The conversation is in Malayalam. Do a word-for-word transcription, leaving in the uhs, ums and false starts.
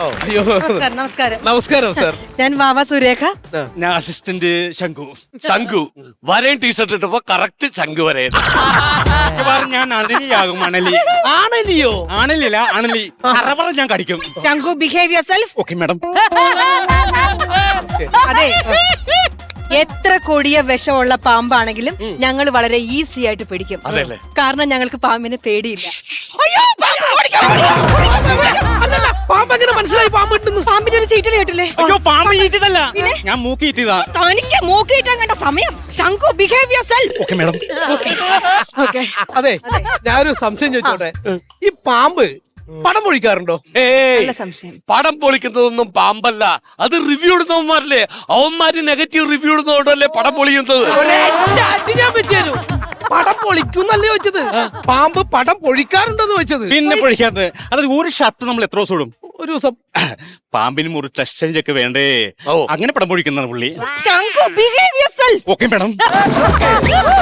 അയ്യോ നമസ്കാരം നമസ്കാരം നമസ്കാരം സാർ. ഞാൻ വാവ സുരേഖ. ഞാൻ അസിസ്റ്റന്റ് ശംഖു. ശംഖു വരയും ടീഷർട്ട് ഇട്ടപ്പോ കറക്റ്റ് ശംഖു വരെ. മിക്കവാറും ഞാൻ അണലിയാകും. അണലി ആണല്ലയോ? ആണലില്ല അണലി. അറവറ ഞാൻ കടിക്കും. ശംഖു behave yourself. Okay madam. അതെ, എത്ര കൊടിയ വിഷമുള്ള പാമ്പാണെങ്കിലും ഞങ്ങൾ വളരെ ഈസി ആയിട്ട് പിടിക്കും. അതെല്ലേ? കാരണം ഞങ്ങൾക്ക് പാമ്പിനെ പേടിയില്ല. അല്ലല്ല, പാമ്പ് എങ്ങനെ മനസ്സിലായി പാമ്പ് ഉണ്ടെന്ന്? പാമ്പിന്റെ ഒരു ചീറ്റൽ കേട്ടില്ലേ? അയ്യോ പാമ്പ് ഈറ്റതല്ല, പിന്നെ? ഞാൻ മൂക്കി ഈറ്റതാ. തനിക്ക് മൂക്കിയിട്ടാൻ കണ്ട സമയം. ശംഖു behave yourself. Okay madam. Okay. അതെ, ഞാനൊരു സംശയം ചോദിച്ചോട്ടെ. ഈ പാമ്പ് പടം പൊഴിക്കാറുണ്ടോ? ഏയ് നല്ല സംശയം. പടം പൊളിക്കുന്നതൊന്നും പാമ്പല്ല, അത് റിവ്യൂ ഇടുന്നവന്മാരല്ലേ. അവന്മാര് നെഗറ്റീവ് റിവ്യൂ ഇടുന്നതുകൊണ്ടല്ലേ പടം പൊളിക്കുന്നത്. ഒരൊറ്റ അടി ഞാൻ വെച്ച് തരും. പടം പൊളിക്കുന്നല്ലേ വെച്ചത്? പാമ്പ് പടം പൊഴിക്കാറുണ്ടോന്ന് വെച്ചത്. പിന്നെ പൊഴിക്കാത്തത് അത് ഒരു ഷർട്ട് നമ്മൾ എത്ര ദിവസം ഇടും? ഒരു ദിവസം. പാമ്പിന് മുറിച്ച് എക്സ്ചേഞ്ച് വേണ്ടേ? ഓ. അങ്ങനെ പടം പൊഴിക്കുന്ന പുള്ളി. ശംഖു behave yourself. Okay madam.